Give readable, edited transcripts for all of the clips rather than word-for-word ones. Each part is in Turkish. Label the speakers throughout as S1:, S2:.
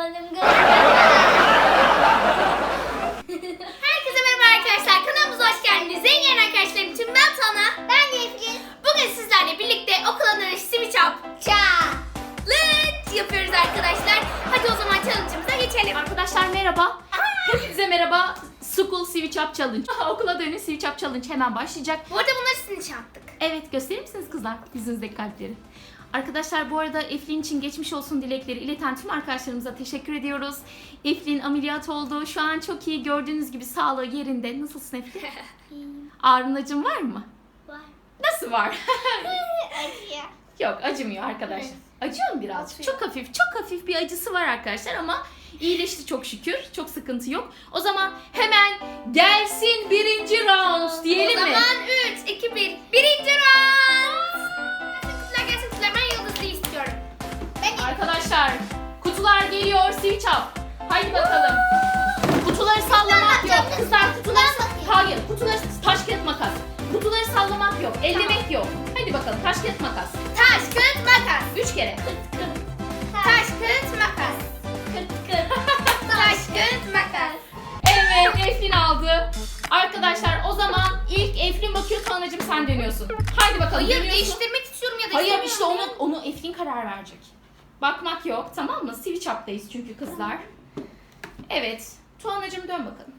S1: Herkese merhaba arkadaşlar. Kanalımıza hoş geldiniz. En yeni arkadaşlarım için ben Tana. Ben Eflin. Bugün sizlerle birlikte okula dönüş switch up challenge yapıyoruz arkadaşlar. Hadi o zaman challenge'ımıza geçelim.
S2: Arkadaşlar merhaba. Hepinize merhaba. School Switch Up Challenge. Okula dönüş Switch Up Challenge hemen başlayacak.
S1: Bu arada bunları sizin için yaptık.
S2: Evet, gösterir misiniz kızlar yüzünüzdeki kalpleri? Arkadaşlar bu arada Eflin için geçmiş olsun dilekleri ileten tüm arkadaşlarımıza teşekkür ediyoruz. Eflin ameliyat oldu. Şu an çok iyi. Gördüğünüz gibi sağlığı yerinde. Nasılsın Eflin? Ağrın acın var mı?
S1: Var.
S2: Nasıl var?
S1: Acıyor.
S2: Yok, acımıyor arkadaşlar. Acıyor mu birazcık?
S1: Acıyor.
S2: Çok hafif bir acısı var arkadaşlar ama iyileşti çok şükür. Çok sıkıntı yok. O zaman hemen gelsin birinci round diyelim mi?
S1: O zaman 3, 2, 1. Birinci round. Kutular gelsin kutular. Ben yıldızlı istiyorum.
S2: Arkadaşlar kutular geliyor switch up. Haydi bakalım. Kutuları sallamak yok. Kızlar kutuları hayır. Kutuları taş kağıt makas. Kutuları sallamak yok. Ellemek yok. Hadi bakalım taş kağıt makas.
S1: Taş, kağıt, makas.
S2: 3 kere.
S1: Taş, kağıt, makas. Taş, kağıt, makas.
S2: Evet, Eflin aldı. Arkadaşlar o zaman ilk Eflin bakıyor, Tuana'cığım sen dönüyorsun. Haydi bakalım.
S1: Hayır,
S2: dönüyorsun.
S1: değiştirmek istiyorum ya da
S2: Hayır
S1: istemiyorum
S2: işte
S1: ya.
S2: onu Eflin karar verecek. Bakmak yok, tamam mı? Switch up'tayız çünkü kızlar. Evet. Tuana'cığım dön bakalım.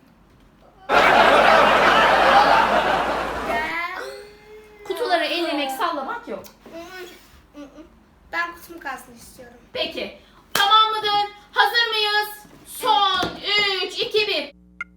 S2: Kutuları ellemek, sallamak yok.
S1: Ben kutum kalsın istiyorum.
S2: Peki. Tamam mıdır? Hazır mıyız? Son 3, 2, 1.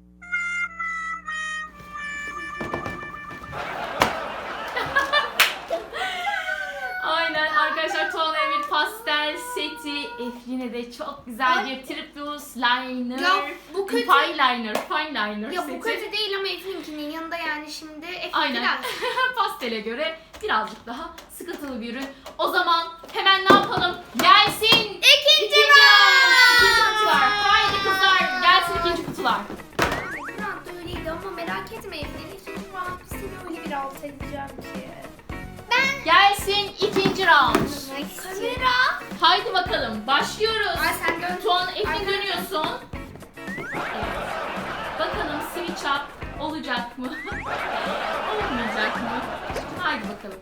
S2: Aynen arkadaşlar, Tuana'ya bir pastel seti, Eflin'e de çok güzel bir triplus liner,
S1: Ya bu kötü.
S2: fine liner
S1: Ya
S2: seti.
S1: bu kötü değil ama Eflin'kinin yanında yani şimdi Eflin
S2: Aynen.
S1: biraz.
S2: Pastele göre birazcık daha sıkıntılı bir ürün. O zaman hemen ne yapalım? Gelsin
S1: İkinci
S2: round. İkinci
S1: round.
S2: kutular. Haydi kızlar, gelsin ikinci kutular.
S1: Bir anda öyleydi ama merak etme Eflin. İkinci round seni öyle bir alt edeceğim ki.
S2: Gelsin ikinci round.
S1: Kamera.
S2: Haydi bakalım, başlıyoruz.
S1: Ay sen dön.
S2: Tuğan,
S1: Ay,
S2: Eflin
S1: ben-
S2: dönüyorsun. Evet. Bakalım switch up olacak mı? Olmayacak mı? Haydi bakalım.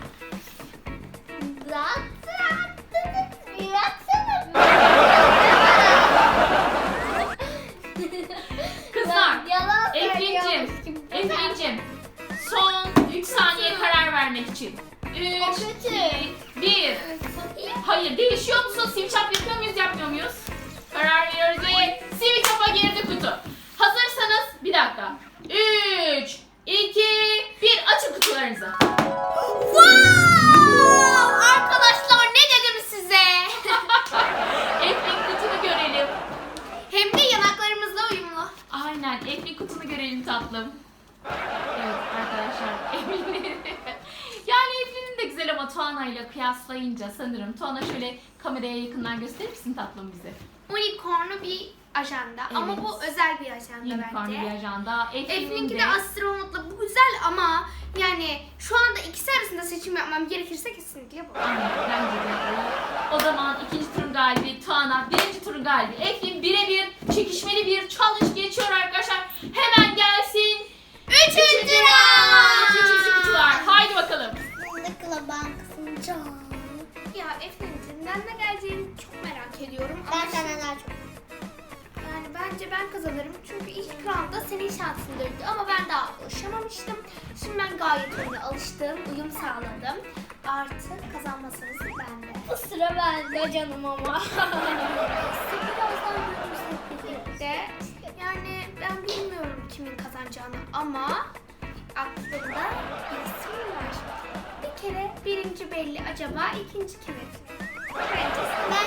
S2: Kızlar, Eflin'cim, son 3 saniye karar vermek için. 3, 2, 1. Hayır, değişiyor musun? Switch up yapıyor muyuz, yapmıyor muyuz? Karar veriyoruz ve switch up'a girdi kutu. Hazırsanız, bir dakika. 3, 2, 1. Açın kutularınızı.
S1: Wow! Arkadaşlar ne dedim size?
S2: Eflin kutunu görelim.
S1: Hem de yanaklarımızla uyumlu.
S2: Aynen, Eflin kutunu görelim tatlım. Evet arkadaşlar, Eflin'in yani Eflin'in de güzel ama Tuana ile kıyaslayınca sanırım. Tuana şöyle kameraya yakından gösterir misin tatlım bize?
S1: Unicornlu bir ajanda ama
S2: Evet.
S1: bu özel bir ajanda
S2: Unicorn
S1: bence.
S2: bir ajanda.
S1: Eflin'inki de astronotla bu güzel ama yani şu anda ikisi arasında seçim yapmam gerekirse kesinlikle bu.
S2: Aynen, bence de o. O zaman ikinci turun galibi Tuana, birinci turun galibi Eflin birebir çekişmeli bir challenge geçiyor arkadaşlar. Hemen gelsin.
S1: Üçüncü round.
S2: Üçüncü kutular. Haydi bakalım.
S3: Fındıkla bankasını
S1: Ya Eflin'cim ben ne geleceğini çok merak ediyorum ama
S3: Ben senden daha çok.
S1: yani bence ben kazanırım çünkü ilk roundda senin şansındaydı ama ben daha alışamamıştım. Şimdi ben gayet oyuna alıştım, uyum sağladım. Artık kazanmasanız bende.
S3: Bu sıra bende canım ama.
S1: Birazdan görürsek birlikte. Yani ben bilmiyorum kimin kazanacağını ama aklımda bir isim var. Bir kere birinci belli, acaba ikinci kim? Bence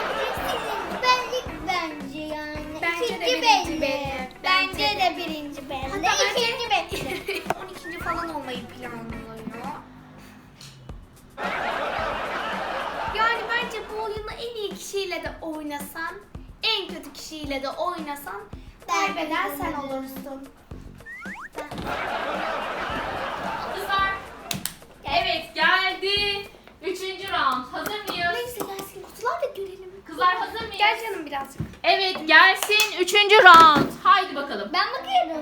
S3: Bence yani.
S1: Bence de
S3: İkinci
S1: birinci belli.
S3: Bence de birinci belli.
S1: Hatta bence-
S3: İkinci belli.
S1: 12. falan olmayı planlıyor. Yani bence bu oyunu en iyi kişiyle de oynasan, en kötü kişiyle de oynasan kaybeden sen olursun.
S2: Kızlar. Evet, geldi. Üçüncü round. Hazır mıyız?
S1: Neyse gelsin kutular da görelim.
S2: Kızlar hazır mıyız?
S1: Gel canım birazcık.
S2: Evet gelsin 3. round. Haydi bakalım.
S3: Ben bakıyorum.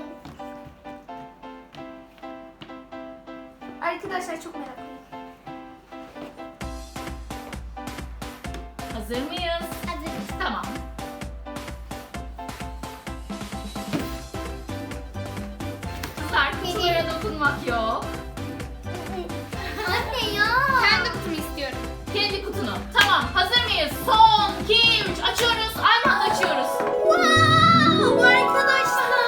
S1: Arkadaşlar çok meraklıyım.
S2: Hazır mıyız?
S3: Hazırız.
S2: Tamam. Kızlar kutulara dokunmak yok.
S3: Anne ya.
S1: Kendi kutumu istiyorum.
S2: Kendi kutunu. Tamam hazır mıyız? Son 2, 3 açıyoruz. Aynı anda açıyoruz.
S1: Wow, arkadaşlar.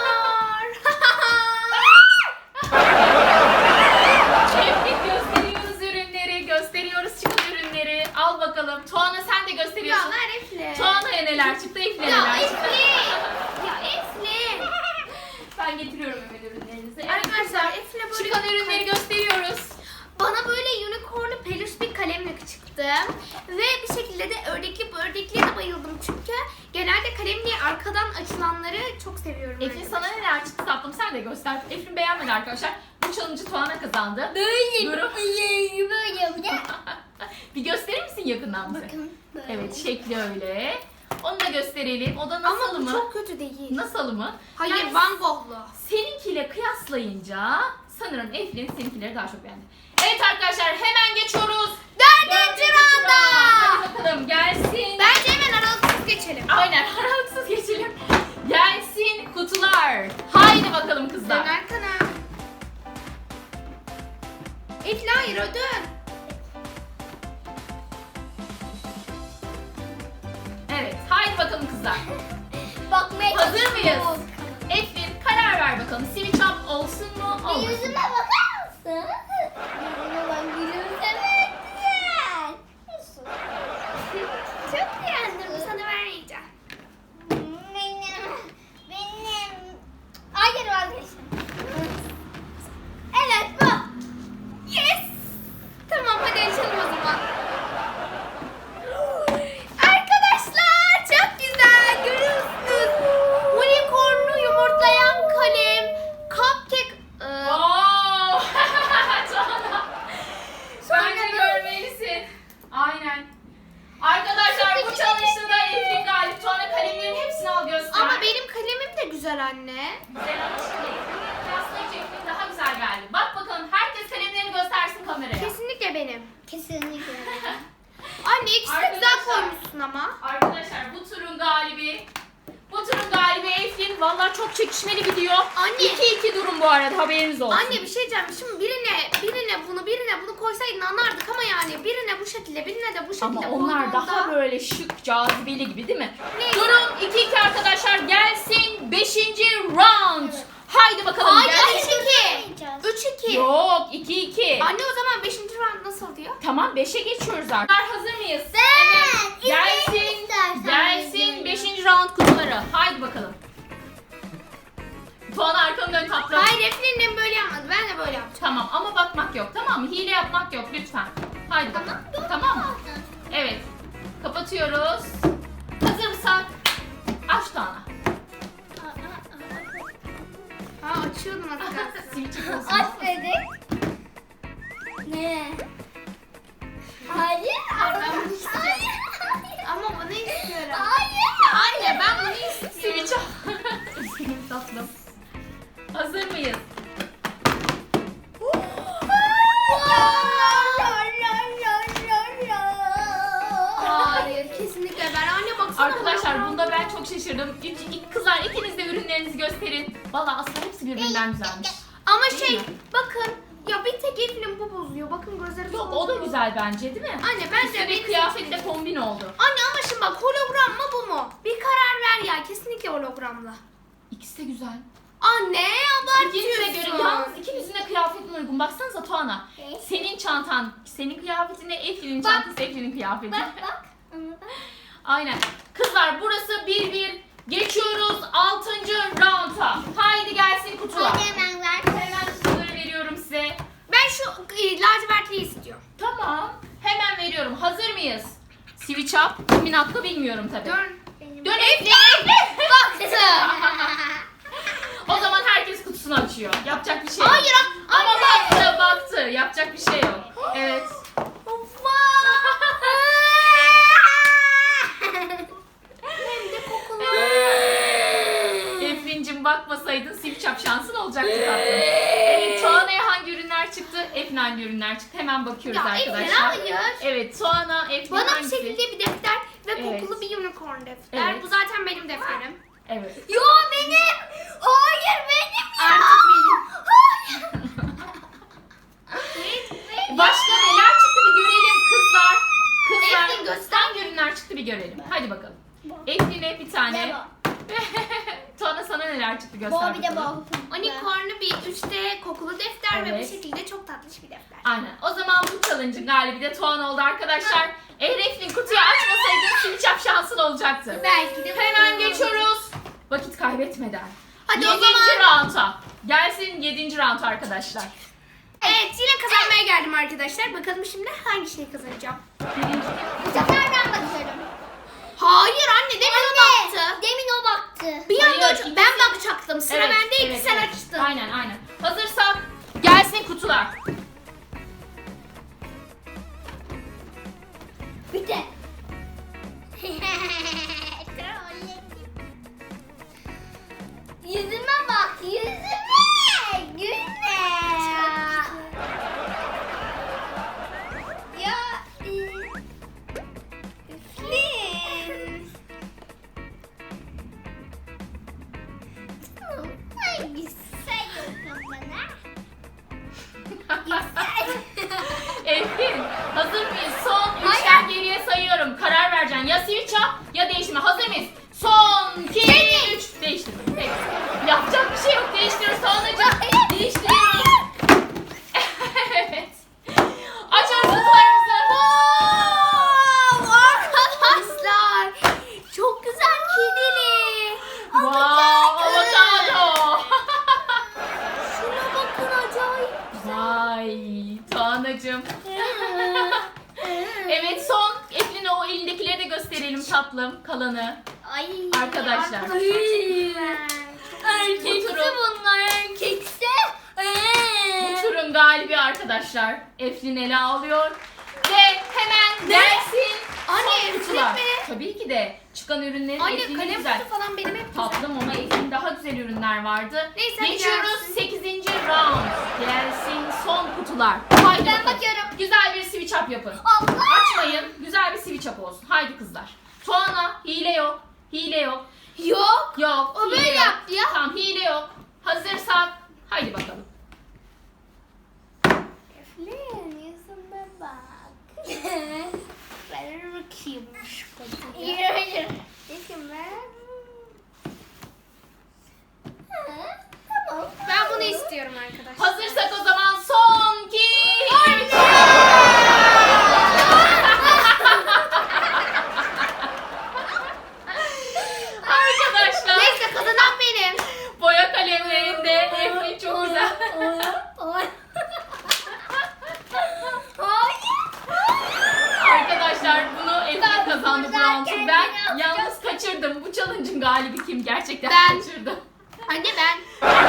S2: Hep gösteriyoruz ürünleri. Gösteriyoruz çıkan ürünleri. Al bakalım. Tuana sen de
S1: Ya
S2: gösteriyorsun.
S1: ver Efli.
S2: Tuana'ya neler çıktı? Efli'ye
S1: Ya
S2: neler çıktı?
S1: Efli. Ya Efli.
S2: Ben getiriyorum hemen ürünlerinizi.
S1: Arkadaşlar Efli böyle
S2: Çıkan ürünleri gösteriyoruz.
S1: bana böyle unicornlu peluş bir kalemle çıktı. Ve bir şekilde de ördekliye de bayıldım. Çünkü genelde kalemliği arkadan açılanları çok seviyorum.
S2: Eflin sana neler çıktı tatlım sen de göster. Eflin beğenmedi arkadaşlar. Bu challenge'ı Tuana kazandı.
S3: Böyle
S2: Durum.
S3: böyle yapacağım.
S2: Bir gösterir misin yakından bize?
S3: Bakın. Böyle.
S2: Evet şekli öyle. Onu da gösterelim. O da nasıl
S1: Ama bu
S2: mı?
S1: çok kötü değil.
S2: Nasıl mı?
S1: Hayır
S2: Yani
S1: Van Gogh'lu.
S2: seninkiyle kıyaslayınca sanırım Eflin seninkileri daha çok beğendi. Evet arkadaşlar hemen geçiyoruz.
S1: Dördüncü rounda.
S2: Hadi bakalım gelsin.
S1: Bence hemen aralıksız geçelim.
S2: Aynen aralıksız geçelim. Gelsin kutular. Haydi bakalım
S1: Dön
S2: kızlar.
S1: arkana. Efli hayır o dön.
S2: Evet haydi bakalım kızlar.
S3: Bakmaya
S2: Hazır
S3: çalışıyorum.
S2: mıyız? Eflin karar ver bakalım. Switch up olsun mu
S3: Bir
S2: olmasın mı?
S3: yüzüme bakar mısın? Yüzüme bak gülümsemek güzel. Nasıl?
S1: Çok beğendim. Sana vermeyeceğim.
S3: Benim. Hayır vazgeçtim. Evet bu.
S1: Yes. Tamam hadi açalım o zaman. Arkadaşlar çok güzel. Görüyorsunuz. Unicornlu yumurtlayan kalem. Cupcake.
S2: Wow! Tuana. Bence
S1: Sonra-
S2: görmelisin. Aynen. Arkadaşlar bu challenge'da da Eflin galip. Tuana kalemlerin hepsini al göster.
S1: Ama benim kalemim de güzel anne.
S2: Güzel ama şimdi Eflin'le kıyaslayınca Eflin daha güzel geldi. Bak bakalım herkes kalemlerini göstersin kameraya.
S1: Kesinlikle benim.
S3: Kesinlikle.
S1: Anne ikisi de güzel
S2: Arkadaşlar-
S1: koymuşsun ama.
S2: Arkadaşlar bu turun galibi Eflin. Vallahi çok çekişmeli gidiyor.
S1: Anne.
S2: 2-2 durum bu arada haberiniz olsun.
S1: Anne bir şey diyeceğim. Şimdi birine bunu koysaydın anlardık ama yani birine bu şekilde, birine de bu şekilde
S2: Ama onlar daha
S1: koyduğunda-
S2: böyle şık, cazibeli gibi değil mi?
S1: Neyse.
S2: Durum 2-2 arkadaşlar. Gelsin 5. round. Haydi bakalım
S1: Hayır
S2: gelsin.
S1: 3-2. 3-2.
S2: Yok 2-2.
S1: Anne o zaman 5. round nasıl diyor?
S2: Tamam 5'e geçiyoruz artık. Hazır mıyız?
S3: Evet.
S2: Gelsin.
S3: İstersen
S2: Gelsin
S3: izleyelim.
S2: 5. round kutuları. Haydi bakalım. Tuana arkanı dön tatlım.
S1: Hayır Eflin'le böyle yapmadı. Ben de böyle yapacağım.
S2: Tamam ama bakmak yok tamam mı? Hile yapmak yok lütfen. Haydi bakalım. Tamam mı? Evet. Kapatıyoruz. Hazır mısın? Aç Tuana.
S1: Ha açıyordum az kalsın.
S2: Switch'e olsun.
S3: Aç dedik. Ne? Hayır.
S1: Ben bunu istiyorum.
S3: Hayır.
S1: Ama bunu istiyorum.
S3: Hayır.
S1: Anne ben bunu istiyorum.
S2: Switch'e. Üzgünüm tatlım. Hazır mıyız?
S1: Hayır kesinlikle ben. Anne baksana.
S2: Arkadaşlar
S1: bana.
S2: bunda ben çok şaşırdım. Kızlar ikiniz de ürünlerinizi gösterin. Valla aslında hepsi birbirinden güzelmiş.
S1: Ama
S2: Değil
S1: şey
S2: mi?
S1: bakın ya bir tek Eflin bu bozuyor. Bakın gözleri
S2: Yok
S1: soldu.
S2: o da güzel bence değil mi?
S1: Anne bence
S2: Üstüne
S1: benim
S2: kıyafetle kombin oldu.
S1: Anne ama şimdi bak hologram mı bu mu? Bir karar ver ya kesinlikle hologramla.
S2: İkisi de güzel.
S1: Anne
S2: İkinize göre
S1: abartıyorsun.
S2: yalnız ikinizin de kıyafetine uygun. Baksanıza Tuana.
S3: Evet.
S2: Senin çantan, senin kıyafetine Eflin'in
S1: Bak.
S2: çantası, Eflin'in kıyafeti.
S3: Bak bak. Bak.
S2: Aynen. Kızlar burası 1-1. Geçiyoruz 6. round'a. Haydi gelsin kutular.
S3: Hadi hemen ver.
S2: Hemen kutuları veriyorum size.
S1: Ben şu lacivertliyi istiyorum.
S2: Tamam. Hemen veriyorum. Hazır mıyız? Switch up. Kimin hakkı bilmiyorum tabii.
S1: Dön.
S2: Dön Eflin.
S1: Baktı.
S2: O zaman herkes kutusunu açıyor. Yapacak bir şey yok.
S1: Hayır
S2: Ama
S1: anne.
S2: baktı. Yapacak bir şey yok. Evet.
S1: Hem de kokulu.
S2: olacaktı tatlım. Evet, Tuana'ya hangi ürünler çıktı? Eflin hangi ürünler çıktı? Hemen bakıyoruz
S1: Ya Eflin
S2: arkadaşlar.
S1: hayır.
S2: Evet, Tuana, Eflin
S1: Bana bu
S2: hangisi?
S1: şekilde bir defter ve
S2: Evet.
S1: kokulu bir unicorn defter.
S2: Evet.
S1: Bu zaten benim defterim.
S2: Evet.
S1: Yo benim. Hayır benim ya. Artık benim. Hayır.
S2: Başka neler çıktı bir görelim kızlar. Kızlar
S1: Eflin göster.
S2: hangi ürünler çıktı bir görelim. Hadi bakalım. Eflin'e bir tane. Tuana sana neler çıktı göster
S3: Bu bir de
S2: bakalım.
S3: bu.
S1: Unicorn'lu bir 3D kokulu defter ve
S2: Evet.
S1: bu şekilde çok tatlış bir defter.
S2: Aynen. O zaman bu challenge'ın galibi de Tuana oldu arkadaşlar. Eğer Eflin kutuyu açmasaydın sincap şansın olacaktı.
S1: Belki de
S2: Hemen geçiyoruz. Vakit kaybetmeden.
S1: Hadi o
S2: 7.
S1: zaman.
S2: round'a. Gelsin 7. round arkadaşlar.
S1: Evet yine kazanmaya geldim arkadaşlar. Bakalım şimdi hangi şeyi kazanacağım.
S3: Bu sefer ben bakıyorum.
S1: Hayır anne demin o baktı.
S3: Demin o baktı.
S1: Bir anda
S2: Hayır,
S1: ben bakacaktım. Sıra
S2: Evet,
S1: bendeydi
S2: evet,
S1: sen
S2: evet.
S1: açtın.
S2: Aynen aynen. Hazırsak gelsin kutular.
S3: Bir de. Yüzüme bak, yüzüme. Gülme. Ya. Üflin. Ay güzel yok bana.
S2: Eflin hazır mıyız? Son
S1: Hayır.
S2: 3'ten geriye sayıyorum. Karar vereceksin. Ya switch up ya değiştirme. Hazır mıyız? Son 2, 3. Değiştirme. Peki. Yapacak bir şey yok. Değiştiriyoruz Tuana'cığım. Değiştiriyoruz. Evet. Açıyoruz kutularımızı.
S1: Wow, arkadaşlar. Çok güzel kedili.
S2: Wow, avokado.
S1: Şuna bakın acayip.
S2: Vay Tuana'cığım. Evet son. Eflin'e o elindekileri de gösterelim tatlım. Kalanı.
S3: Ay.
S2: Arkadaşlar.
S3: Erkekse bunlar erkekse.
S2: Bu turun galibi arkadaşlar. Eflin ele alıyor. Ve hemen gelsin.
S1: Anne,
S2: son kutular.
S1: Eflin mi?
S2: Tabii ki de. Çıkan ürünlerin
S1: Anne
S2: Eflin'in
S1: kalem
S2: güzel.
S1: kutu falan benim hep güzel.
S2: Tatlım ama Eflin daha güzel ürünler vardı.
S1: Neyse, hadi
S2: geçiyoruz
S1: gelsin.
S2: 8. round. Gelsin son kutular. Haydi
S3: Ben
S2: bakalım.
S3: bakıyorum.
S2: Güzel bir switch up yapın.
S3: Allah.
S2: Açmayın. Güzel bir switch up olsun. Haydi kızlar. Tuana hile yok. Hile yok.
S1: Yok.
S2: Yok.
S1: O
S2: hile
S1: böyle
S2: yok.
S1: yaptı ya.
S2: Tamam hile yok. Hazırsak haydi bakalım.
S3: Eflin yüzüme bak.
S1: Ver bakayım şu kutuyu.
S3: Hayır hayır. Yüzüme. Tamam.
S1: Ben bunu istiyorum arkadaşlar.
S2: Hazırsak o zaman son 2 3. Arkadaşlar
S1: Neyse kazanan benim.
S2: boya kalemlerinde Eflin çok güzel. Arkadaşlar bunu Eflin kazandı bu roundu. Ben yalnız kaçırdım. Bu challenge'ın galibi kim? Gerçekten
S1: Ben.
S2: kaçırdım.
S1: Anne ben.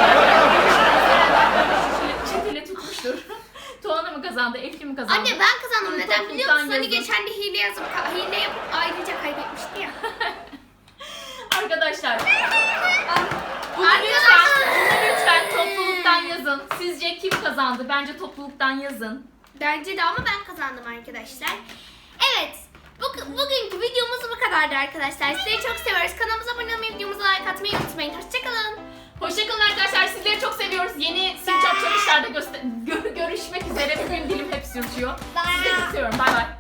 S2: Çetele tutmuştur. Tuana mı kazandı? Eflin mi kazandı?
S1: Anne ben kazandım. Neden biliyor musun? Hani
S2: Yazın.
S1: geçen de hile yapıp ayrıca kaybetmişti ya.
S2: Arkadaşlar. Bunu
S1: Arkadaşlar.
S2: lütfen topluluktan yazın. Sizce kim kazandı? Bence topluluktan yazın.
S1: Bence de ama ben kazandım arkadaşlar. Evet. Bugünkü videomuz bu kadardı arkadaşlar. Sizleri çok seviyoruz. Kanalımıza abone olmayı, videomuza like atmayı unutmayın. Hoşçakalın.
S2: Hoşçakalın arkadaşlar. Sizleri çok seviyoruz. Yeni Sincap challenge'larda görüşmek üzere. Bugün dilim hep sürçüyor. Sizleri çok seviyorum. Bay bay.